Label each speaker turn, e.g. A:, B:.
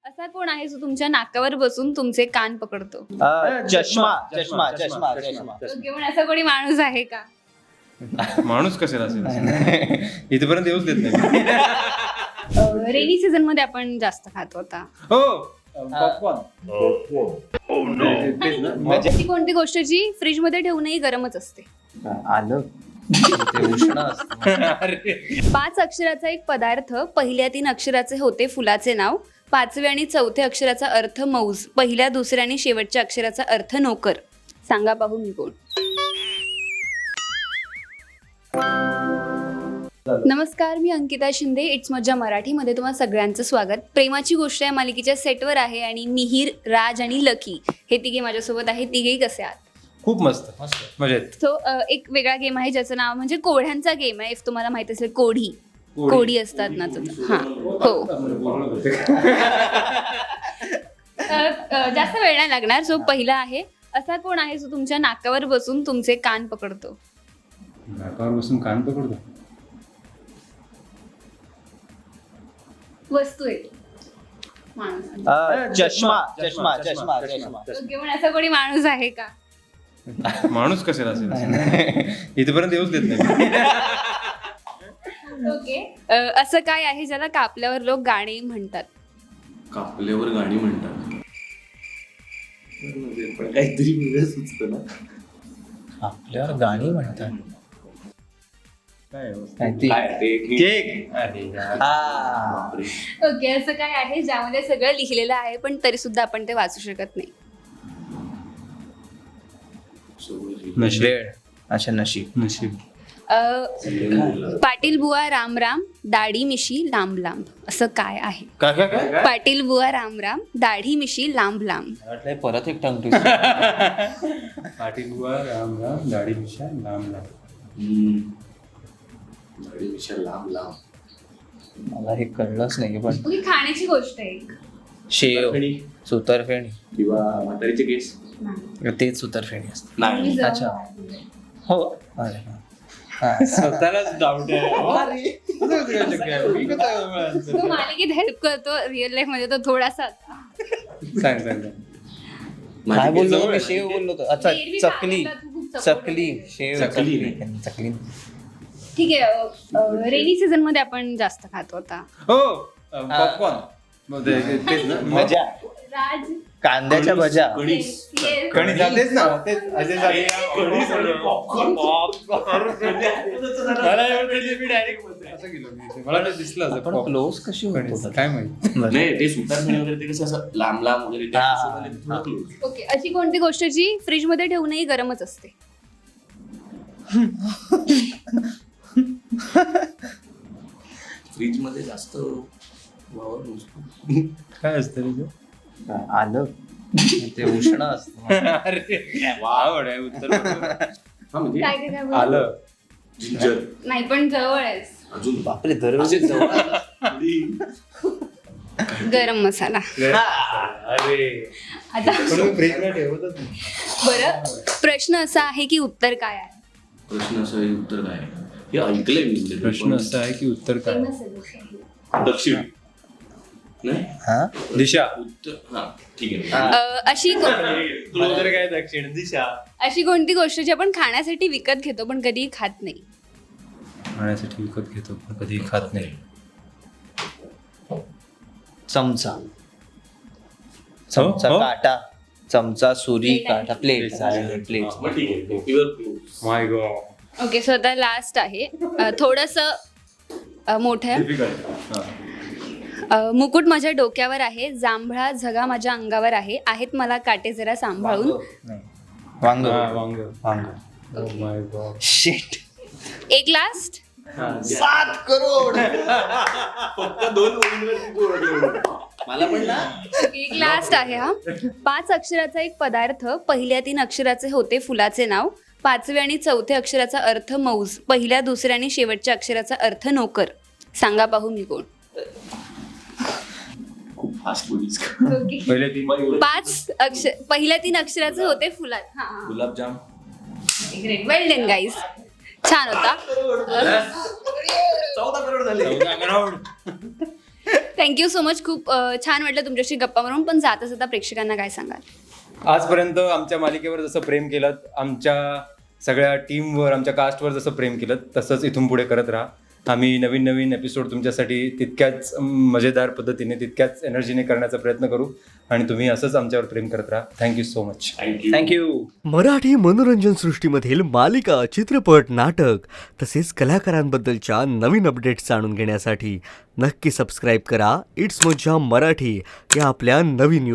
A: असा कोण आहे जो तुमच्या नाकावर बसून तुमचे कान पकडतो?
B: चष्मा चष्मा चष्मा चष्मा
A: घेऊन असा कोणी माणूस आहे का?
C: माणूस कशाला असेल इथपर्यंत येऊच देत नाही.
A: रेनी सीझन मध्ये आपण जास्त खातो आता.
C: हो पॉपकॉर्न.
A: अशी कोणती गोष्ट जी फ्रीज मध्ये ठेवूनही गरमच असते?
B: आलं ते उष्ण असतं.
A: 5 अक्षराचा एक पदार्थ, पहिल्या 3 अक्षराचे होते फुलाचे नाव, 5व्या आणि 4थ्या अक्षराचा अर्थ मौज, पहिल्या 2ऱ्या आणि शेवटच्या अक्षराचा अर्थ नोकर. सांगा पाहू मी कोण. नमस्कार, मी अंकिता शिंदे. इट्स मज्जा मराठीमध्ये तुम्हा सगळ्यांचं स्वागत. प्रेमाची गोष्ट या मालिकेच्या सेटवर आहे आणि मिहीर, राज आणि लकी हे तिघे माझ्यासोबत आहे. तिघेही कसे आहात?
C: खूप मस्त मजेत.
A: सो एक वेगळा गेम आहे ज्याचं नाव म्हणजे कोढ्यांचा गेम आहे. इफ तुम्हाला माहित असेल, कोढी असतात ना. हां हो. जास्त वेळ नाही लागणार. सो पहिला आहे, असा कोण आहे जो तुमच्या नाकावर बसून तुमचे कान पकडतो?
C: नाकावर बसून कान पकडतो.
A: वस्तू आहे, माणूस.
B: चष्मा चष्मा चष्मा चष्मा
A: घेऊन असा कोणी माणूस आहे का?
C: माणूस कशाला असेल इथपर्यंत येऊच देत नाही.
A: ओके. असं काय आहे ज्याला कापल्यावर लोक गाणी म्हणतात?
D: कापल्यावर गाणी म्हणतात, पण काहीतरी वेगळं सुचतं ना.
B: आपल्यावर गाणी म्हणतात.
C: काय
D: काय ते
C: केक.
D: बापरे.
A: ओके. असं काय आहे ज्यामध्ये सगळं लिहिलेलं आहे पण तरी सुद्धा आपण ते वाचू शकत नाही?
C: नशीब.
B: वेळ. अच्छा, नशीब.
C: नशीब.
A: पाटील बुवा राम राम, दाढी मिशी लांब लांब. असं काय आहे?
B: काय काय काय
A: पाटील बुवा राम राम, दाढी मिशी लांब लांब.
B: वाटलंय परत एक टंग ट्विस्टर.
C: पाटील बुवा राम राम, दाढी मिशा लांब लांब.
D: दाढी मिशा लांब लांब.
B: मला हे कळलंच नाही पण
A: ही खाण्याची गोष्ट आहे एक.
B: शेव, सुतरफेणी,
D: किंवा म्हातारीचे केस.
B: तेच सुतरफेणी असते.
D: नाही,
B: अच्छा. हो. अरे हा.
C: स्वतःलाच डाऊट आहे.
A: तो मालिकेत हेल्प करतो, रिअल लाईफ मध्ये तो थोडासा.
C: सांग सांग.
B: काय बोललो
D: जवळ
B: मी?
D: आहे.
B: शेव बोललो होतो. अच्छा,
A: एरवी
B: चकली.
A: सांगितलं तू खूप support
B: चकली, शेव,
D: चकली.
B: चकली.
A: ठीक आहे. रेनी सीझन मध्ये आपण जास्त खातो आता.
C: हो पॉपकॉर्न. तेच ना.
B: मजा.
A: राज.
B: कांद्याच्या भज्या.
D: कणीस.
A: Yes.
C: कणी जातेच ना. तेच असे झाले.
D: कणीस आणि popcorn.
C: मला एवढं कधी मी direct असं गेलो मी. मला ते दिसलं असं
B: आपण
C: pop.
B: क्लोज कशी
C: कणीस.
B: होतो?
C: काय माहित.
D: नाही, ते सुतारफेणी वगैरे ते कसं असं लांब लांब वगैरे त्या
B: हा.
D: हिशोबाने ते थोडं close.
A: ओके. अशी कोणती गोष्ट जी फ्रीज मध्ये ठेवूनही गरमच असते?
D: फ्रीज मध्ये जास्त वावर नसतो.
C: काय असतं रे ते?
B: आलं ते उष्ण असतं.
C: अरे आवड आहे उत्तर बरोबर.
D: हा, म्हणजे
A: काय काय काय बोलतो?
C: आलं.
D: जिंजर.
A: नाही पण जवळ आहेस.
D: अजून
B: बापरे, दररोज
D: असे जवळ थोडी.
A: गरम मसाला.
C: अरे
A: आता
C: पण फ्रीजला ठेवतच नाही.
A: बरं, प्रश्न असा आहे की उत्तर काय आहे?
D: प्रश्न असं आहे, उत्तर काय आहे? हे ऐकलंय मी म्हणजे.
C: प्रश्न असा आहे की उत्तर काय?
A: Famous आहे गोष्ट.
D: दक्षिण. नाही,
B: हा.
C: दिशा.
D: उत्तर. हा, ठीक आहे.
A: अशी
C: उत्तर काय? दक्षिण दिशा.
A: अशी कोणती गोष्ट जी आपण खाण्यासाठी विकत घेतो पण कधीही खात नाही?
C: खाण्यासाठी विकत घेतो पण कधी खात नाही.
B: चमचा. चमचा,
C: हो?
B: काटा. चमचा, सुरी,
A: Plate आहे.
B: काटा, प्लेट. प्लेट.
D: मग ठीक आहे. Your clues.
C: My God.
A: Okay. So आता लास्ट आहे, थोडस मोठं आहे.
C: डिफिकल्ट.
A: मुकुट माझ्या डोक्यावर आहे, जांभळा झगा माझ्या अंगावर आहे, आहेत मला काटे जरा सांभाळून.
B: नाही. वांग.
C: वांग.
B: वांग.
C: Oh my God.
B: शिट.
A: एक लास्ट.
B: 7 करोड.
D: फक्त 2 ओळींवरती तू ओळखलं. मला पण ना.
A: एक लास्ट आहे हा. 5 अक्षराचा एक पदार्थ, पहिल्या 3 अक्षराचे होते फुलाचे नाव, 5व्या आणि 4थ्या अक्षराचा अर्थ मौज, पहिल्या 2ऱ्या आणि शेवटच्या अक्षराचा अर्थ नोकर. सांगा पाहू मी कोण.
D: खूप फास्ट बोलीस.
C: पहिले 3
A: पहिल्या 3 अक्षराचे होते फुलात. हा.
D: गुलाबजाम.
A: ग्रेट. Well done guys. छान होता.
D: 14 करोड झाले.
A: Thank you so much. खूप छान वाटलं तुमच्याशी गप्पा मारून. पण जाता जाता प्रेक्षकांना काय सांगाल?
C: आजपर्यंत आमच्या मालिकेवर जसं प्रेम केलं, आमच्या सगळ्या टीमवर, आमच्या कास्टवर जसं प्रेम केलं, तसंच इथून पुढे करत राहा. आम्ही नवीन नवीन एपिसोड तुमच्यासाठी तितक्याच मजेदार पद्धतीने, तितक्याच एनर्जीने करण्याचा प्रयत्न करू आणि तुम्ही असंच आमच्यावर प्रेम करत राहा. Thank you so much.
B: Thank you.
E: Marathi मनोरंजन सृष्टीमधील मालिका, चित्रपट, नाटक तसेच कलाकारांबद्दलच्या नवीन अपडेट्स जाणून घेण्यासाठी नक्की सबस्क्राईब करा इट्स मज्जा मराठी या आपल्या नवीन